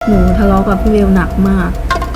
หนูทะเลาะกับพี่เบลหนักมาก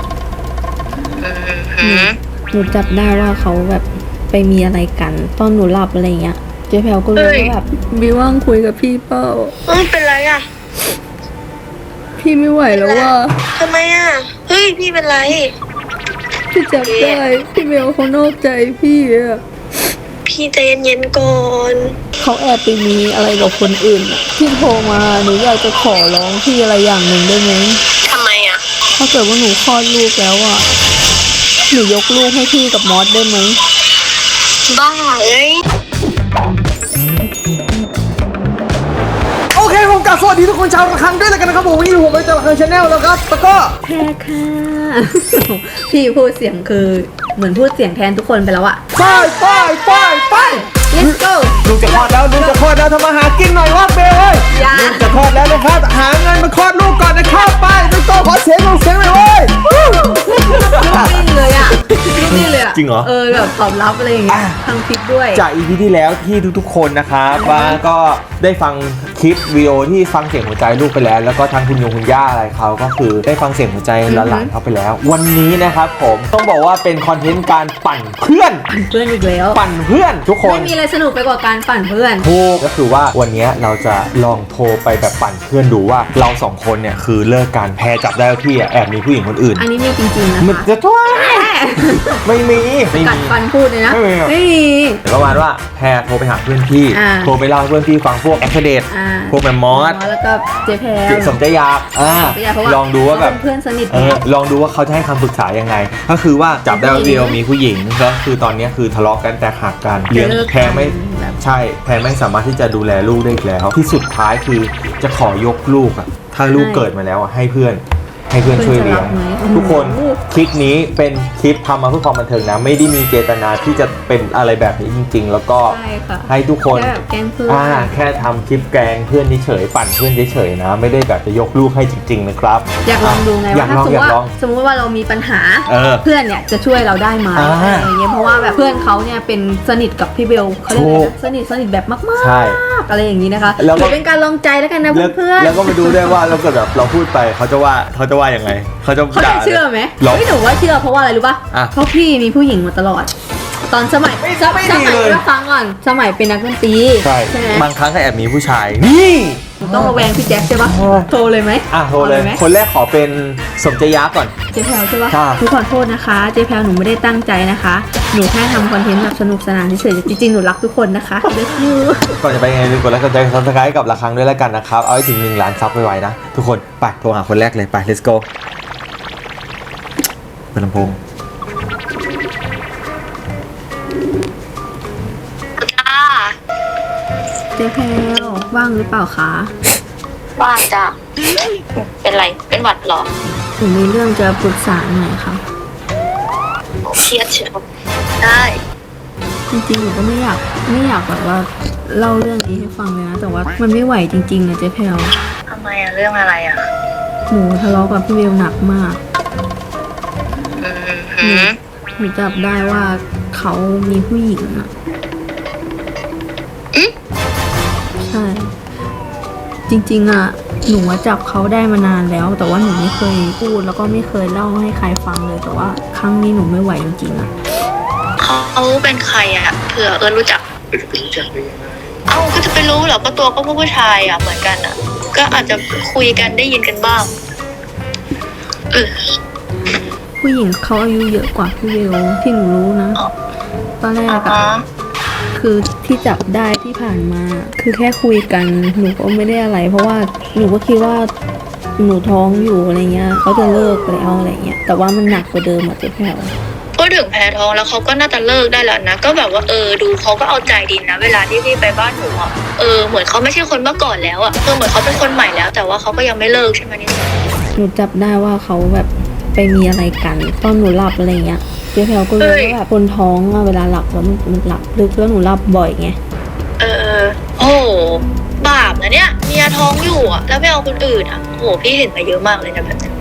หนูจับได้ว่าเขาแบบไปมีอะไรกันตอนหนูหลับอะไรเงี้ยเจ๊แพลวก็รู้ว่าแบบบิวว่างคุยกับพี่เป้าเป็นไรอ่ะพี่ไม่ไหวแล้วว่าทำไมอ่ะเฮ้ยพี่เป็นไรพี่จับได้พี่เบลเขานอกใจพี่อะพี่ใจเย็นๆก่อนเขาแอบไปมีอะไรกับคนอื่นพี่โทรมาหนูอยากจะขอร้องพี่อะไรอย่างหนึ่งได้ไหมทำไมอ่ะถ้าเกิดว่าหนูคลอดลูกแล้วอ่ะหนูยกลูกให้พี่กับมอสได้ไหมบ้าเอ้ยโอเคผมกลับสวัสดีทุกคนชาวระฆังด้วยแล้วกันนะครับผมวันนี้ผมไปจากระฆังชาแนลแล้วครับแล้วก็แพ้ค่ะพี่พูดเสียงคือเหมือนพูดเสียงแทนทุกคนไปแล้วอะไป let's go ลูกจะคลอดแล้วทำมาหากินหน่อยวะเบลเว้ยลูกจะคลอดแล้วนะครับหาเงินมาคลอดลูกก่อนนะครับไปlet's goขอเสียงหน่อยเว้ยนิ่งเลยอะนิ่งเลยอะจริงเหรอแบบตอบรับอะไรอย่างเงี้ยทางคลิปด้วยจาก EP ที่แล้วที่ทุกๆคนนะครับว่าก็ได้ฟังคลิปวิดีโอที่ฟังเสียงหัวใจลูกไปแล้วก็ทางคุณยงคุณย่าอะไรเขาก็คือได้ฟังเสียงหัวใจหลานเขาไปแล้ววันนี้นะครับผมต้องบอกว่าเป็นคอนเทนต์การปั่นเพื่อนอีกแล้วปั่นเพื่อนทุกคนไม่มีอะไรสนุกไปกว่าการปั่นเพื่อนถูกก็คือว่าวันนี้เราจะลองโทรไปแบบปั่นเพื่อนดูว่าเราสองคนเนี่ยคือเลิกการแพ้จับได้ว่าพี่แอบมีผู้หญิงคนอื่นอันนี้มีจริงๆนะคะมันจะทั่วไม่มีกัดฟันพูดเลยนะไม่มีประมาณว่าแพรโทรไปหาเพื่อนพี่โทรไปเล่าให้เพื่อนพี่ฟังพวกแอคเดตพวกแมมมอสแล้วก็เจแพรสมใจอยากลองดูว่าแบบเพื่อนสนิทลองดูว่าเขาจะให้คำปรึกษายังไงก็คือว่าจับได้ว่าเดียวมีผู้หญิงก็คือตอนนี้คือทะเลาะกันแต่หักกันเลี้ยงแพรไม่ใช่แพรไม่สามารถที่จะดูแลลูกได้อีกแล้วที่สุดท้ายคือจะขอยกลูกอ่ะถ้าลูกเกิดมาแล้วอ่ะให้เพื่อนช่วยเลี้ยงทุกคนคลิปนี้เป็นคลิปทำมาเพื่อความบันเทิงนะไม่ได้มีเจตนาที่จะเป็นอะไรแบบนี้จริงๆแล้วก็ให้ทุกคนแค่ทำคลิปแกล้งเพื่อนเฉยปั่นเพื่อนเฉยนะไม่ได้แบบจะยกลูกให้จริงๆนะครับอยากลองดูไงว่าถ้าสมมติว่าเรามีปัญหาเพื่อนเนี่ยจะช่วยเราได้ไหมอะไรอย่างเงี้ยเพราะว่าแบบเพื่อนเขาเนี่ยเป็นสนิทกับพี่เบลเขาเรียกสนิทแบบมากๆอะไรอย่างนี้นะคะหรือเป็นการลองใจแล้วกันนะเพื่อนแล้วก็มาดูได้ว่าเราเกิดแบบเราพูดไปเขาจะว่ายังไงเขาจะเชื่อไหมไม่หนูว่าเชื่อเพราะว่าอะไรรู้ป่ะเพราะพี่มีผู้หญิงมาตลอดตอนสมัยก็ฟังก่อนสมัยเป็นนักดนตรีใช่บางครั้งก็แอบมีผู้ชายนี่ต้องระแวงพี่แจ๊คใช่ปะโทรเลยไหมโทรเลยคนแรกขอเป็นสมใจยักษ์ก่อนเจ๊แพลวใช่ปะทุกคนโทษนะคะเจ๊แพลวหนูไม่ได้ตั้งใจนะคะหนูแค่ทำคอนเทนต์แบบสนุกสนานเฉยๆจริงๆหนูรักทุกคนนะคะเลิฟยูก่อนจะไปไงลืมกดไลค์กดแชร์ซับสไครต์กับระฆังด้วยแล้วกันนะครับเอาให้ถึง1 ล้านซับไวๆนะทุกคนไปโทรหาคนแรกเลยไป let's goเป็นลำโพงเจ๊แพลวว่างหรือเปล่าคะว่างจ้ะเป็นไรเป็นหวัดหรอหนูมีเรื่องจะปรึกษาหน่อยค่ะเครียดเชียวได้จริงๆหนูก็ไม่อยากแบบว่าเล่าเรื่องนี้ให้ฟังเลยนะแต่ว่ามันไม่ไหวจริงๆนะเจ๊แพลวทำไมอะเรื่องอะไรอะหนูทะเลาะกับพี่เบลหนักมากหนูจับได้ว่าเขามีผู้หญิงอะใช่จริงๆอะหนูจับเขาได้มานานแล้วแต่ว่าหนูไม่เคยพูดแล้วก็ไม่เคยเล่าให้ใครฟังเลยแต่ว่าครั้งนี้หนูไม่ไหวจริงๆอะเขาเป็นใครอะเผื่อรู้จักก็จะไปรู้เหรอก็ตัวก็ผู้ชายอะเหมือนกันอะก็อาจจะคุยกันได้ยินกันบ้างผู้หญิงเขาอายุเยอะกว่าพี่เบลที่หนูรู้นะตอนแรกอะคือที่จับได้ที่ผ่านมาคือแค่คุยกันหนูก็ไม่ได้อะไรเพราะว่าหนูก็คิดว่าหนูท้องอยู่อะไรเงี้ยเขาจะเลิกแล้วอะไรเงี้ยแต่ว่ามันหนักกว่าเดิมอะเจ๊แพลวก็ถึงแพ้ท้องแล้วเขาก็น่าจะเลิกได้แล้วนะก็แบบว่าดูเขาก็เอาใจดีนะเวลาที่พี่ไปบ้านหนูอะเหมือนเขาไม่ใช่คนเมื่อก่อนแล้วอะเหมือนเขาเป็นคนใหม่แล้วแต่ว่าเขาก็ยังไม่เลิกใช่ไหมนี่หนูจับได้ว่าเขาแบบไปมีอะไรกันตอนหนูหลับอะไรเงี้ยเจ๊แพลวก็รู้ว่าแบบคนท้องอะเวลาหลับแล้วมันหลับลึกแล้วหนูหลับบ่อยไงโอ้บาปนะเนี่ยเมียท้องอยู่อะแล้วไม่เอาคนอื่นอะโหพี่เห็นมาเยอะมากเลยนะแบบนี้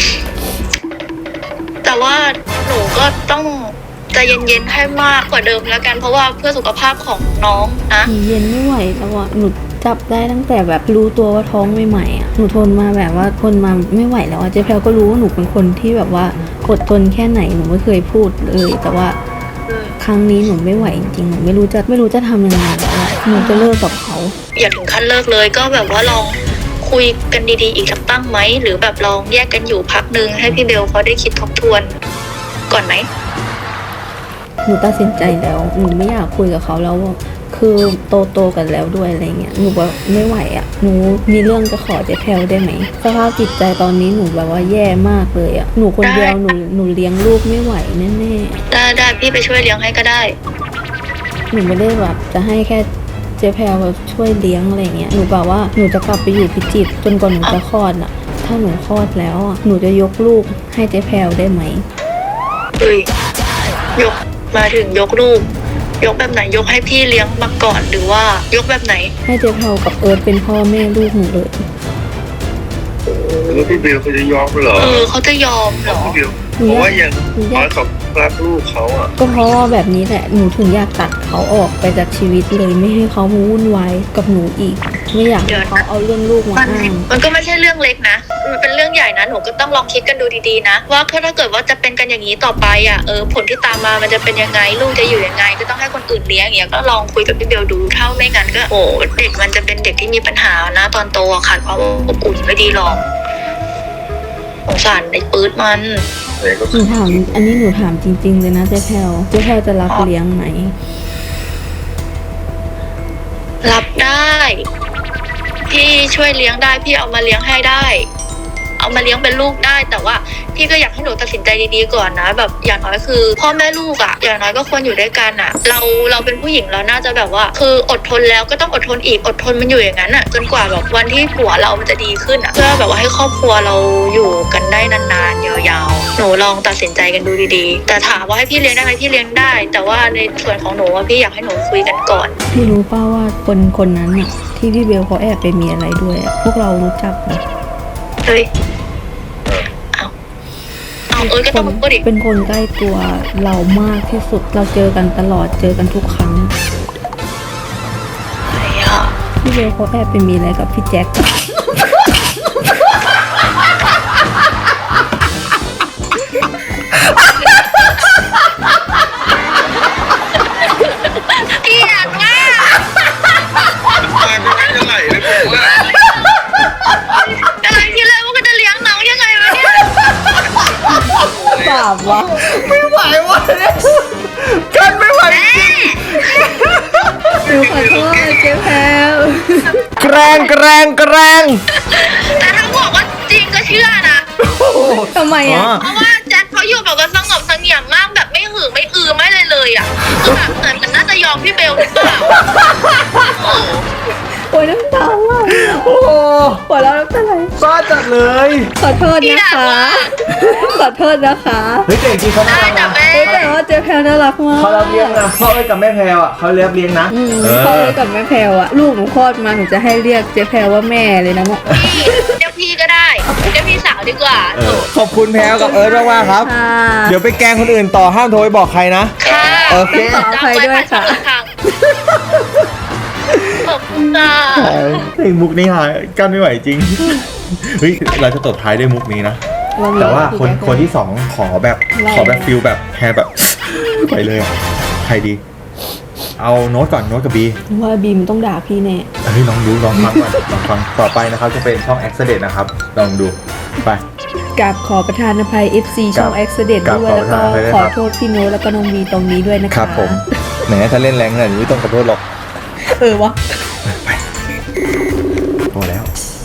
แต่ว่าหนูก็ต้องใจเย็นๆให้มากกว่าเดิมแล้วกันเพราะว่าเพื่อสุขภาพของน้องนะเย็นไม่ไหวแล้วอะหนูจับได้ตั้งแต่แบบรู้ตัวว่าท้องใหม่ๆอ่ะหนูทนมาแบบว่าทนมาไม่ไหวแล้วอ่ะเจ๊แพลวก็รู้ว่าหนูเป็นคนที่แบบว่าอดทนแค่ไหนหนูไม่เคยพูดเลยแต่ว่าครั้งนี้หนูไม่ไหวจริงๆหนูไม่รู้จะทำยังไงแล้วอะหนูจะเลิกกับเขาอย่าถึงขั้นเลิกเลยก็แบบว่าลองคุยกันดีๆอีกสักตั้งไหมหรือแบบลองแยกกันอยู่พักนึงให้พี่เบลเขาได้คิดทบทวนก่อนไหมหนูตัดสินใจแล้วหนูไม่อยากคุยกับเขาแล้วอะคือโตกันแล้วด้วยอะไรเงี้ยหนูแบบไม่ไหวอ่ะหนูมีเรื่องจะขอเจ๊แพลวได้ไหมสภาพจิตใจตอนนี้หนูแบบว่าแย่มากเลยอ่ะหนูคนเดียวหนูเลี้ยงลูกไม่ไหวแน่ๆได้พี่ไปช่วยเลี้ยงให้ก็ได้หนูไม่ได้แบบจะให้แค่เจ๊แพรแบบช่วยเลี้ยงอะไรเงี้ยหนูแบบว่าหนูจะกลับไปอยู่พิจิตรจนกว่าหนูจะคลอดอ่ะถ้าหนูคลอดแล้วอ่ะหนูจะยกลูกให้เจ๊แพรได้ไหมเอ้ยยกมาถึงยกลูกยกแบบไหนยกให้พี่เลี้ยงมาก่อนหรือว่ายกแบบไหนให้เจ๊แพรกับเอิร์ธเป็นพ่อแม่ลูกหนูเลยแล้วพี่เบลเขาจะยอมเหรอเขาจะยอมเหรอพี่เบลเพราะว่าอย่างน้อยเขารักลูกเขาอ่ะก็เพราะว่าแบบนี้แหละหนูถึงอยากตัดเขาออกไปจากชีวิตเลยไม่ให้เขามาวุ่นวายกับหนูอีก ไม่อยากให้เขาเอาเรื่องลูกมาอ้างมันก็ไม่ใช่เรื่องเล็กนะมันเป็นเรื่องใหญ่นะหนูก็ต้องลองคิดกันดูดีๆนะว่าถ้าเกิดว่าจะเป็นกันอย่างนี้ต่อไปอ่ะผลที่ตามมามันจะเป็นยังไงลูกจะอยู่ยังไงก็ต้องให้คนอื่นเลี้ยงอย่างเงี้ยก็ลองคุยกับพี่เบลดูเท่าไม่งั้นก็เด็กมันจะเป็นเด็กที่มีปัญหานะตอนโตอะขาดความอบอุ่นไม่ดีหรอกสงสารไอ้ปื๊ดมันแต่ก็หนูถามอันนี้หนูถามจริงๆเลยนะเจ๊แพรจะรับเลี้ยงไหมรับได้พี่ช่วยเลี้ยงได้พี่เอามาเลี้ยงให้ได้ เอามาเลี้ยงเป็นลูกได้แต่ว่าพี่ก็อยากให้หนูตัดสินใจดีๆก่อนนะแบบอย่างน้อยคือพ่อแม่ลูกอะอย่างน้อยก็ควรอยู่ด้วยกันอะเราเป็นผู้หญิงเราน่าจะแบบว่าคืออดทนแล้วก็ต้องอดทนอีกอดทนมันอยู่อย่างนั้นอะจนกว่าแบบวันที่ผัวเรามันจะดีขึ้นอะเพื่อแบบว่าให้ครอบครัวเราอยู่กันได้นานๆยาวๆหนูลองตัดสินใจกันดูดีๆแต่ถามว่าให้พี่เลี้ยงได้ไหมพี่เลี้ยงได้ แต่ว่าในส่วนของหนูว่าพี่อยากให้หนูคุยกันก่อนพี่รู้ป่าว่าคนนั้นน่ะที่พี่เบลเขาแอบไปมีอะไรด้วยอะพวกเรารู้จักนะเฮ้ยก็ต้องพูดดิเป็นคนใกล้ตัวเรามากที่สุดเราเจอกันตลอดเจอกันทุกครั้งใครอ่ะพี่เบลเขาแอบไปมีอะไรกับพี่แจ็คเกลียดมากมาก็ไม่เท่าไหร่เลยผมว่ากำลังคิดเลยว่าก็จะเลี้ยงน้องยังไงวะเนี่ยบาปวะไม่ไหววะกันไม่ไหวหนูขอโทษเจ๊แพรแกรงแต่ถ้าบอกว่าจริงก็เชื่อนะทำไมอ่ะเพราะว่าแจ็คเขาอยู่แบบว่าสงบเสงี่ยมมากแบบไม่หือไม่อือไม่เลยอ่ะคือแบบเหมือนมันน่าจะยอมพี่เบลหรือเปล่าโอ้ยน้ำตาว่ะโอ้โหหัวเราะน้ำตาไหลบ้าจัดเลยขอโทษนะคะ ขอโทษนะคะเฮ้ยแต่จริงๆเขาน่าได้รักแต่นะแม่แต่ว่าเจ๊แพรน่ารักมากเขารับเลี้ยงนะพ่อเอ้ยกับแม่แพรวอ่ะเขาเลี้ยงนะพ่อเอ้ยกับแม่แพรอ่ะลูกหนูคลอดมาหนูจะให้เรียกเจ๊แพรว่าแม่เลยนะเนี่ยเดี๋ยวพี่ก็ได้เดี๋ยวพี่สาวดีกว่าขอบคุณแพรวกับเอิร์ธมากๆครับค่ะเดี๋ยวไปแกล้งคนอื่นต่อห้ามโทรไปบอกใครนะค่ะโอเคขออภัยด้วยค่ะขอบคุณค่ะเพลงมุกนี้หายกันไม่ไหวจริง เฮ้ยเราจะตบท้ายด้วยมุกนี้นะ แต่ว่าคนที่สองขอแบบฟิลแบบแพรแบบ ไปเลยอ่ะใครดี เอาโน้ตก่อนโน้ตกับบีว่าบีมต้องด่าพี่แน่เฮ้ยลองดูลองฟังก่อนลองฟังต่อไปนะครับจะเป็นช่อง Accident นะครับลองดูไปกับขอประทานอภัย FC ช่องครับ Accident ครับด้วยแล้วก็ขอประทานอภัยด้วยขคอรับโทษพี่โน้ตแล้วก็น้องบีตรงนี้ด้วยนะคะครับผมแหมถ้าเล่นแรงขนาดนี้ไม่ต้องขอโทษหรอกวะไปพอแล้ว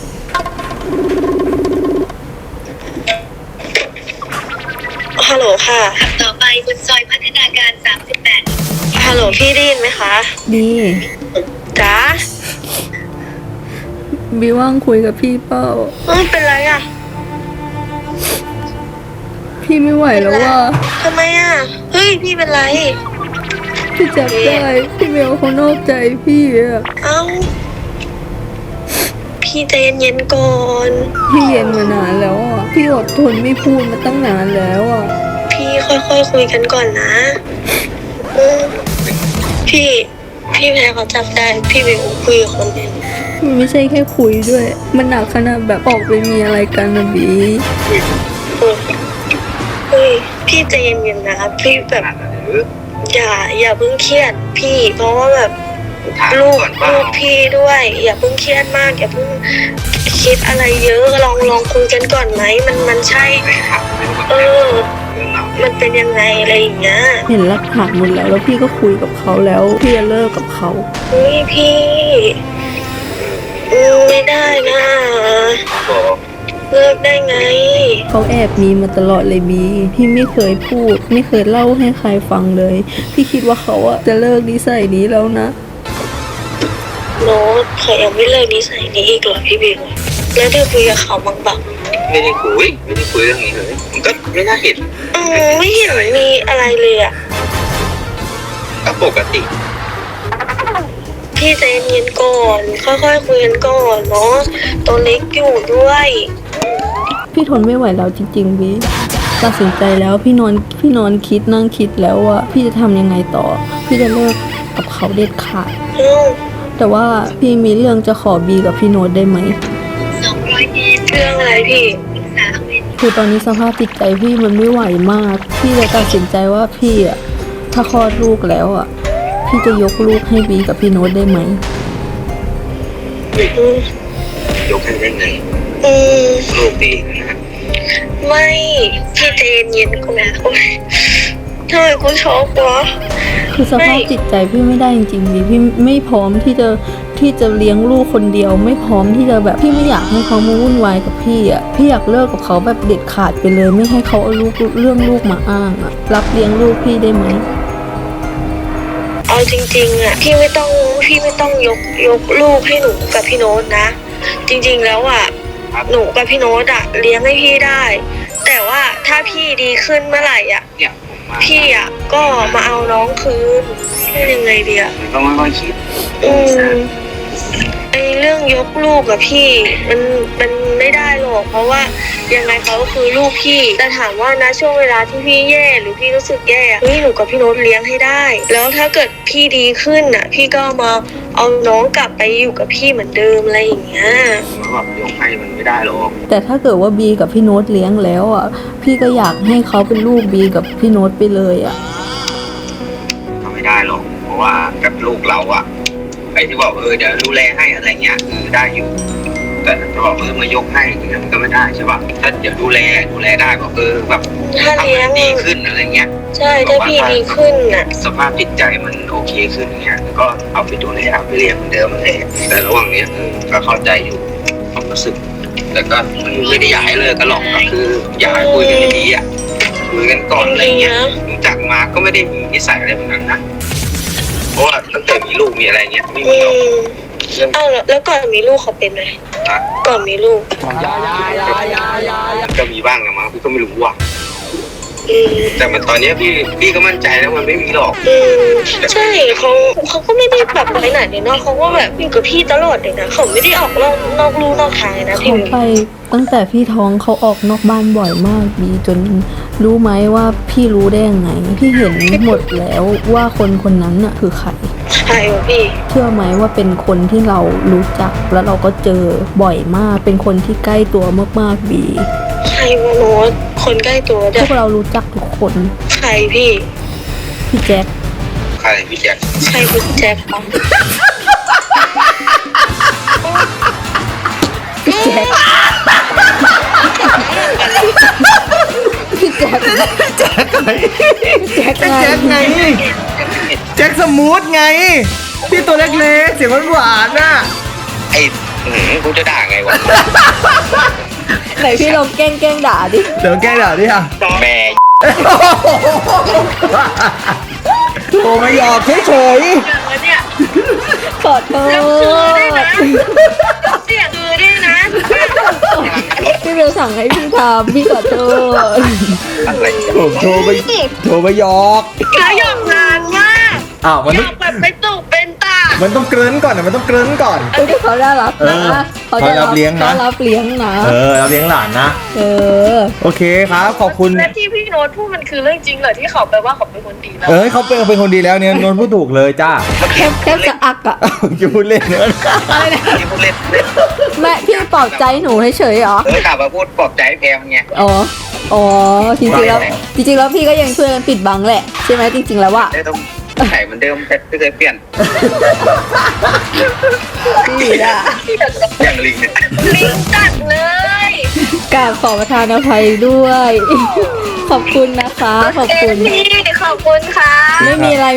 ฮัลโหลค่ะต่อไปคุณซอยพัฒนาการ38ฮัลโหลพี่ได้ยินไหมคะบีจ๊ะบีว่างคุยกับพี่เปล่าเป็นไรอ่ะพี่ไม่ไหวแล้วว่าทำไมอ่ะเฮ้ยพี่เป็นไรพี่จับได้พี่เบลเขานอกใจพี่อะเอ้าพี่ใจเย็นๆก่อนพี่เย็นมานานแล้วอ่ะพี่อดทนไม่พูดมาตั้งนานแล้วอ่ะพี่ค่อยๆคุยกันก่อนนะพี่แพรเขาจับได้พี่ไปคุยกับคนอื่นมันไม่ใช่แค่คุยด้วย มันหนักขนาดแบบออกไปมีอะไรกันนะบีเฮ้ยพี่ใจเย็นๆนะพี่แบบอย่าเพิ่งเครียดพี่เพราะว่าแบบลูกพี่ด้วย อย่าเพิ่งเครียดมากอย่าเพิ่งคิดอะไรเยอะลองคุยกันก่อนไหมมันใช่มันเป็นยังไงอะไรอย่างเงี้ยเห็นหลักฐานหมดแล้วพี่ก็คุยกับเขาแล้วพี่จะเลิกกับเขาเฮ้ยพี่ไม่ได้นะเลิกได้ไงเขาแอบมีมาตลอดเลยบีพี่ไม่เคยพูด ไม่เคยเล่าให้ใครฟังเลย พี่คิดว่าเขาอะจะเลิกนิสัยนี้แล้วนะโน้ตเขายังไม่เลิกนิสัยนี้อีกเหรอพี่บิวแล้วได้คุยกับเขาบ้างปะไม่ได้คุยเรื่องนี้เลยมันก็ไม่น่าเห็นไม่เห็นมีอะไรเลยอะก็ปกติพี่ใจเย็นๆก่อนค่อยๆคุยกันก่อนเนาะตัวเล็กอยู่ด้วยพี่ทนไม่ไหวแล้วจริงๆบีตัดสินใจแล้วพี่นอนคิดนั่งคิดแล้วว่าพี่จะทำยังไงต่อ พี่จะเลิกกับเขาเด็ดขาด แต่ว่าพี่มีเรื่องจะขอบีกับพี่โน้ตได้ไหมเรื่องอะไรพี่คือตอนนี้สภาพจิตใจพี่มันไม่ไหวมาก พี่เลยตัดสินใจว่าพี่อะถ้าคลอดลูกแล้วอะพี่จะยกลูกให้บีกับพี่โน้ตได้ไหมยกให้ได้ไงลูกดีนะไม่พี่ใจเย็นๆก่อนโอ๊ยทำไมกูช็อกวะคือสภาพจิตใจพี่ไม่ได้จริงๆบีพี่ไม่พร้อมที่จะเลี้ยงลูกคนเดียว ไม่พร้อมที่จะแบบพี่ไม่อยากให้เขามาวุ่นวายกับพี่อ่ะพี่อยากเลิกกับเขาแบบเด็ดขาดไปเลย ไม่ให้เขาเอาเรื่องลูกมาอ้างอ่ะรับเลี้ยงลูกพี่ได้ไหมเอาจริงๆอ่ะพี่ไม่ต้องยกลูกให้หนูกับพี่โน้ตนะ จริงๆแล้วอ่ะหนูกับพี่โน้ตอ่ะเลี้ยงให้พี่ได้ แต่ว่าถ้าพี่ดีขึ้นเมื่อไหร่อ่ะเนี่ยผมมาพี่อ่ะก็มาเอาน้องคืนเป็นยังไงดีอ่ะมันต้องค่อยๆคิดไอเรื่องยกลูกกับพี่มันไม่ได้หรอกเพราะว่ายังไงเขาก็คือลูกพี่แต่ถามว่านะช่วงเวลาที่พี่แย่หรือพี่รู้สึกแย่เฮ้ยหนูกับพี่โน้ตเลี้ยงให้ได้ แล้วถ้าเกิดพี่ดีขึ้นอ่ะ พี่ก็มาเอาน้องกลับไปอยู่กับพี่เหมือนเดิมอะไรอย่างเงี้ยมันแบบยกให้มันไม่ได้หรอกแต่ถ้าเกิดว่าบีกับพี่โน้ตเลี้ยงแล้วอ่ะพี่ก็อยากให้เขาเป็นลูกบีกับพี่โน้ตไปเลยอ่ะทำไม่ได้หรอกเพราะว่ากับลูกเราอะไอ้ที่บอกเดี๋ยวดูแลให้อะไรเงี้ยคือได้อยู่ แต่จะบอกมายกให้อย่างเงี้ยมันก็ไม่ได้ใช่ป่ะถ้าเดี๋ยวดูแลได้บอกแบบถ้าเลี้ยงทำให้ดีขึ้นอะไรเงี้ยใช่ถ้าพี่ดีขึ้นอ่ะสภาพจิตใจมันโอเคขึ้นเงี้ยก็เอาไปดูแลเอาไปเลี้ยงเหมือนเดิมเลยแต่ระหว่างเนี้ยก็เข้าใจอยู่ความรู้สึกแต่ก็มันไม่ได้อยากให้เลิกกันหรอกก็คืออยากให้คุยกันดีๆอ่ะคุยกันก่อนอะไรเงี้ยรู้จักมาก็ไม่ได้มีนิสัยอะไรเหมือนกันนะเพราะว่าตั้งแต่มีลูกมีอะไรเงี้ยไม่มีหรอกเรื่องอ้าวแล้วก่อนมีลูกเขาเป็นไหมนะก่อนมีลูกก็มีบ้างนะมั้งพี่ก็ไม่รู้ว่ะแต่มันตอนเนี้ยพี่ก็มั่นใจแล้วมันไม่มีหรอกใช่เขาก็ไม่ได้แบบไปไหนเลยเนาะเขาก็แบบอยู่กับพี่ตลอดเลยนะเขาไม่ได้ออกนอกลู่นอกทางเลยนะพี่เขาไปตั้งแต่พี่ท้องเขาออกนอกบ้านบ่อยมากบีจนรู้ไหมว่าพี่รู้ได้ยังไงพี่เห็นหมดแล้วว่าคนนั้นน่ะคือใครใช่วะพี่เชื่อไหมว่าเป็นคนที่เรารู้จักแล้วเราก็เจอบ่อยมากเป็นคนที่ใกล้ตัวมากๆบีใครวะโน้ตคนใกล้ตัวพเด้อวกเรารู้จักทุกคนใครพี่พี่แจ็คใครพี่แจ็คใครคือแจ็คคะพี่แจ็คพี่แจ็คแจ็คไงแจ็คแจ็คไงแจ็คสมูทไงพี่ตัวเล็กๆเสียงหวานๆน่ะไอ้กูจะด่าไงวะไหนพี่ลองแกล้งด่าดิเดี๋ยวแกเดี๋ยวดิค่ะแม่โทรมาหยอกเฉยแล้วเนี่ยขอโทแล้วคือได้ษนะเสียคือได้นะพี่เบลสั่งให้พี่ทำพี่ขอโทษอะไรๆผมโทรมาหยอกแล้วหยอกนานมากอ้าวมันหยอกแบบไปตุกเป็นตามันต้องเกริ่นก่อนนะมันต้องเกริ่นก่อนเฮ้ยเขาได้รับเออนะเขารับเลี้ยงนะเขารับเลี้ยงนะเราเลี้ยงหลานนะเออโอเคครับขอบคุณและที่พี่โน้ตพูดมันคือเรื่องจริงเหรอที่เขาแปลว่าเขาเป็นคนดีแล้วเขาเป็นคนดีแล้วเนี่ยนนท์พูดถูกเลยจ้าแค่จะอักอะจะพูดเล่นเนอะอะไรนะที่พูดเล่นแม่พี่ปลอบใจหนูเฉยๆเหรอกลับมาพูดปลอบใจแพมไงอ๋อจริงๆแล้วพี่ก็ยังช่วยกันปิดบังแหละใช่ไหมจริงๆแล้วอะได้ต้องไข่เหมือนเดิมแต่ไม่เคยเปลี่ยนพี่อะอย่างลิงเนี่ยลิงจัดเลยกราบขอประทานอภัยด้วย ขอบคุณนะคะขอบคุณพี่ขอบคุณค่ะไม่มีอะไร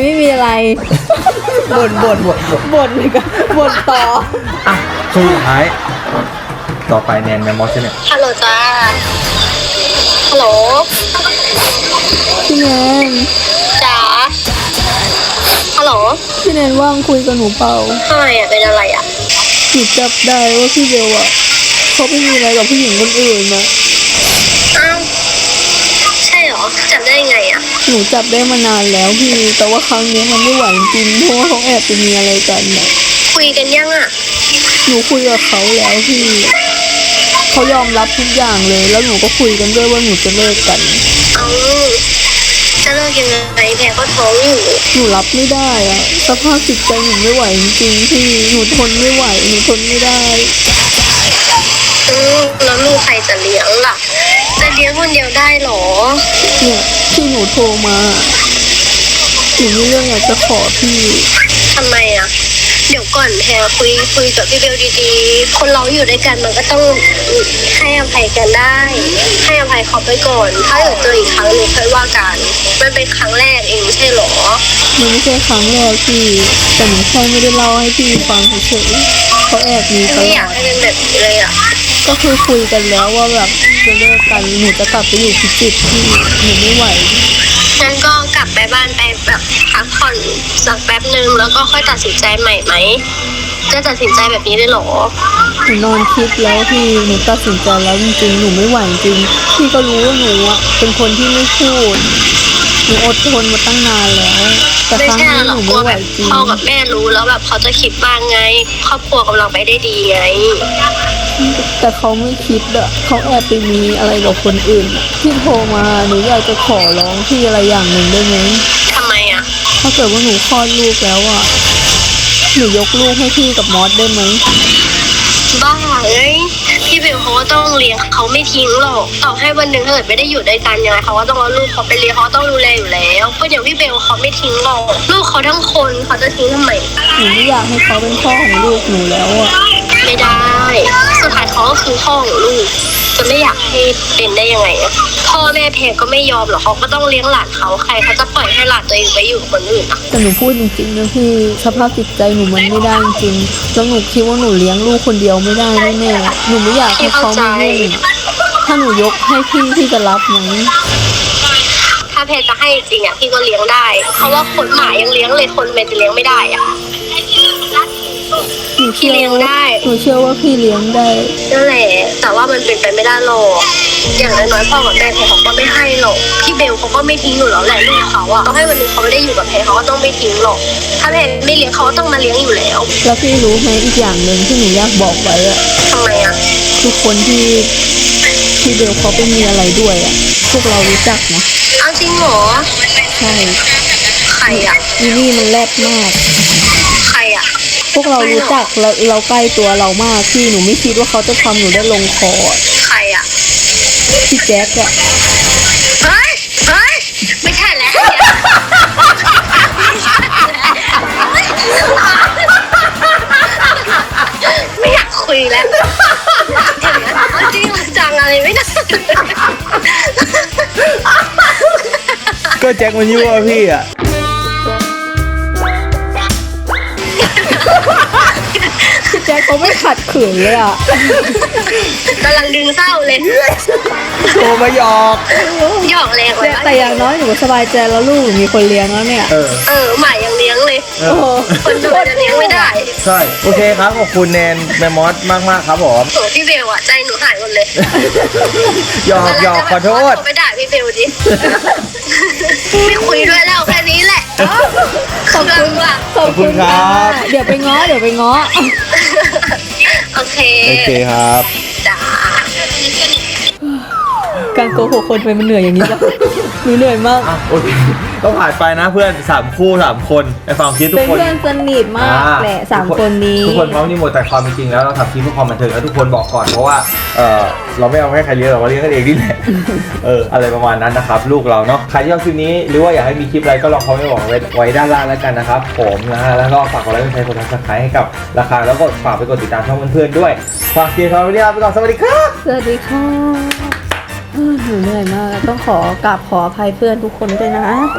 บ่นเลยกันบ่นต่ออ่ะสุดท้ายต่อไปแนนแมมมอสเนี่ยฮัลโหลจ้าฮัลโหลพี่แนนจ๋าฮัลโหลพี่แนนว่างคุยกับหนูเปล่าทำไมอ่ะเป็นอะไรอ่ะหนูจับได้ว่าพี่เบลอะเขาไปมีอะไรกับผู้หญิงคนอื่นนะอ้าวใช่เหรอจำได้ไงอ่ะหนูจับได้มานานแล้วพี่ แต่ว่าครั้งนี้มันไม่ไหวจริงเพราะว่าเขาแอบไปมีอะไรกันนะคุยกันยังอ่ะหนูคุยกับเขาแล้วพี่เขายอมรับทุกอย่างเลย แล้วหนูก็คุยกันด้วยว่าหนูจะเลิกกันเอาจะเลิกยังไงแพรก็ท้องอยู่หนูรับไม่ได้อะสภาพจิตใจหนูไม่ไหวจริงๆพี่หนูทนไม่ไหวหนูทนไม่ได้แล้วลูกใครจะเลี้ยงล่ะ จะเลี้ยงคนเดียวได้เหรอเนี่ยที่หนูโทรมาหนูมีเรื่องอยากจะขอพี่ทำไมอ่ะ เดี๋ยวก่อนแพรคุยกับพี่เบลดีๆ คนเราอยู่ด้วยกันมันก็ต้องให้อภัยกันได้ ให้อภัยเขาไปก่อน ถ้าเกิดเจออีกครั้งหนึ่งค่อยว่ากัน มันเป็นครั้งแรกเองไม่ใช่เหรอมันไม่ใช่ครั้งแรกพี่แต่หนูแค่ไม่ได้เล่าให้พี่ฟังเฉยๆเขาแอบมีตไม่ลอยาอก ดให้เป็นแบบนี้เลยอ่ะก็คือคุยกันแล้วว่าแบบจะเลิกกันหนูจะกลับไปอยู่พิจิตรพี่หนูไม่ไหวงั้นก็กลับไปบ้านไปแบบพักผ่อนสักแป๊บหนึ่งแล้วก็ค่อยตัดสินใจใหม่ไหม จะตัดสินใจแบบนี้ได้เหรอหนูนอนคิดแล้วพี่หนูตัดสินใจแล้วจริงๆหนูไม่ไหวจริงพี่ก็รู้ว่าหนูอะเป็นคนที่ไม่พูดหนูอดทนมาตั้งนานแล้วแต่ไม่ครั้งใช่นี้หรหอกนูกลัไม่วไหวแบบจริงพ่อกับแม่รู้แล้วแบบเขาจะคิดบ้างไง ครอบครัวกำลังไปได้ดีไงแต่เขาไม่คิดอะเขาแอบไปมีอะไรกับคนอื่นอะที่โทรมาหนูอยากจะขอร้องพี่อะไรอย่างหนึ่งได้ไหมทำไมอ่ะถ้าเกิดว่าหนูคลอดลูกแล้วอะหนูยกลูกให้พี่กับมอสได้ไหมบ้าเอ้ยพี่เบลเขาก็ต้องเลี้ยงเขาไม่ทิ้งหรอกต่อให้วันหนึ่งถ้าเกิดไม่ได้อยู่ด้วยกันยังไงเขาก็ต้องเอาลูกเขาไปเลี้ยงเขาต้องดูแลอยู่แล้วเพราะอย่างพี่เบลเขาไม่ทิ้งหรอกลูกเขาทั้งคนเขาจะทิ้งทำไมหนูไม่อยากให้เขาเป็นพ่อของลูกหนูแล้วอะไม่ได้ สุดท้ายเขาก็คือพ่อของลูก จะไม่อยากให้เป็นได้ยังไงอะพ่อแม่เพลก็ไม่ยอมหรอกเขาก็ต้องเลี้ยงหลานเขาใครเขาจะปล่อยให้หลานตัวเองไปอยู่กับคนอื่นอะแต่หนูพูดจริงๆนะพี่สภาพจิตใจหนูมันไม่ได้จริงๆแล้วหนูคิดว่าหนูเลี้ยงลูกคนเดียวไม่ได้แน่ๆหนูไม่อยากให้เขามายุ่งถ้าหนูยกให้พี่จะรับไหมถ้าเพจะให้จริงอะพี่ก็เลี้ยงได้เพราะว่าคนหมายังเลี้ยงเลยคนเมจะเลี้ยงไม่ได้อะหนูเชื่อพี่เลี้ยงได้หนูเชื่อว่าพี่เลี้ยงได้นั่นแหละแต่ว่ามันเป็นไปไม่ได้หรอกอย่างน้อยๆพ่อกับแม่เพเขาก็ไม่ให้หรอกพี่เบลเขาก็ไม่ทิ้งอยู่แล้วแหละลูกเขาอะต้องให้วันหนึงเขาไม่ได้อยู่กับเพเขาก็ต้องไม่ทิ้งหรอก ถ้าเพไม่เลี้ยงเขาก็ต้องมาเลี้ยงอยู่แล้วแล้วพี่รู้ไหมอีกอย่างหนึ่งที่หนูอยากบอกไว้อะทำไมอะทุกคนที่เบลเขาไปมีอะไรด้วยอะพวกเรารู้จักนะเอาจริงเหรอใช่ใครอะอีนี่มันแรดมากใครอะพวกเรารู้จักเราใกล้ตัวเรามากพี่หนูไม่คิดว่าเขาจะทำหนูได้ลงคออะใครอะพี่แจ๊คอะเฮ้ยไม่ใช่แล้วไม่อยากคุยแล้วจริงจังอะไรไม่ได้ก็แจ็คมันยั่วพี่อ่ะพี่แจ๊คเขาไม่ขัดขืนเลยอะกำลังดึงเศร้าเลยโทรมาหยอกหยอกแรงเลยแต่อย่างน้อยหนูก็สบายใจแล้วลูกหนูมีคนเลี้ยงแล้วเนี่ยหมายังเลี้ยงเลยโอ้โหคนดูจะเลี้ยงไม่ได้ใช่โอเคครับขอบคุณแนนแมมมอสมากๆครับผมโหพี่เบลอะใจหนูหายหมดเลยหยอกขอโทษไปด่าพี่เบลดิ ไม่คุยด้วยแล้วแค่นี้แหละขอบอบคุณว่ะขอบคุณครัค่ะบเดี๋ยวไปง้อโอเคโอเคครับจ้าการโกหกคนทำไมมันเหนื่อยอย่างนี้ล่ะหนูเหนื่อยมากอ่ะโอเคก็ผ่านไปนะเพื่อน3คู่3คนในฟังคลิปทุเป็กนคนเพื่อนสนิทมากแหละสามคนนี้ทุกคนพร้อมนี่หมดแต่ความเป็นจริงแล้วเราทำคลิปเพื่อความบันเทิงแล้วทุกคนบอกก่อนเพราะว่าเราไม่เอาให้ใครเลี้ยงหรอกเราเลี้ยงกันเองนี่แหละอะไรประมาณนั้นนะครับลูกเราเนาะใครที่ชอบคลิปนี้หรือว่าอยากให้มีคลิปอะไรก็ลองคอมเมนต์บอกไว้ด้านล่างแล้วกันนะครับผมนะฮะแล้วก็ฝากกดไลค์กดแชร์กดซับสไครต์ให้กับราคาแล้วก็ฝากไปกดติดตามช่องเพื่อนๆด้วยฝากเชียร์เขาไปเรียบไปก่อนสวัสดีครับสวัสดีค่ะหนูเหนื่อยมาก ต้องขอกราบขออภัยเพื่อนทุกคนด้วยนะ